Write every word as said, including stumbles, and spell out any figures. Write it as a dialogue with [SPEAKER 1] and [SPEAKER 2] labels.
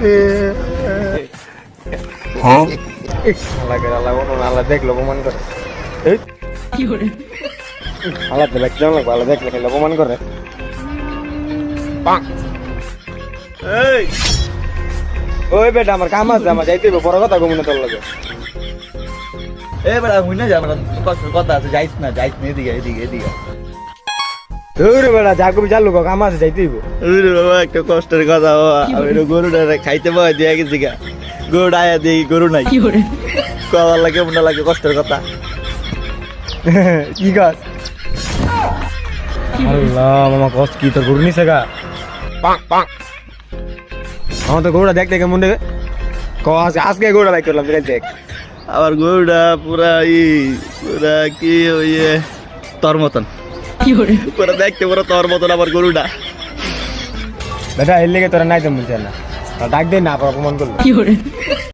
[SPEAKER 1] হ্যাঁ
[SPEAKER 2] আল্লাহ করে আল্লাহ কোনো আল্লাহ দেখলো অপমান করে এই
[SPEAKER 3] কি করে
[SPEAKER 2] আল্লাহ তো দেখতে লাগবে আল্লাহ দেখলে খেলে অপমান করে এই ওই বেটা আমার কাম আছে আমার যাইতে হবে বড় কথা ঘুমনে তোর লাগে
[SPEAKER 1] এ বেটা হুই না যা কষ্টের কথা আছে যাইস না যাইস না এদিকে এদিকে এদিকে
[SPEAKER 2] ওরে বেটা যা কবি চালু কাম আছে যাইতে হইব
[SPEAKER 1] ওরে বাবা একটা কষ্টের কথা বাবা আমি তো গরুটা খাইতে পাই দিয়ে গেছি গা গরুটা আয়া দিয়ে গরু নাই
[SPEAKER 3] কি করে
[SPEAKER 1] কবার লাগে মনে লাগে কষ্টের কথা
[SPEAKER 2] কি গাছ আল্লাহ মামা কষ্ট কি তোর গরু নিছে গা আমার তো গরুটা দেখতে কেমন রে ক আজকে আজকে গরুটা বাইক করলাম বিরাট দেখ
[SPEAKER 1] আবার গরুটা পুরা ই পুরা কি ওই এ, তোর মতন
[SPEAKER 3] কি করে
[SPEAKER 1] পুরা দেখতে পুরো তোর মতন আবার গরুটা
[SPEAKER 2] বেটা এর লেগে তোরা নাই তো বলছে না ডাক দে না অপমান করলো
[SPEAKER 3] কি করে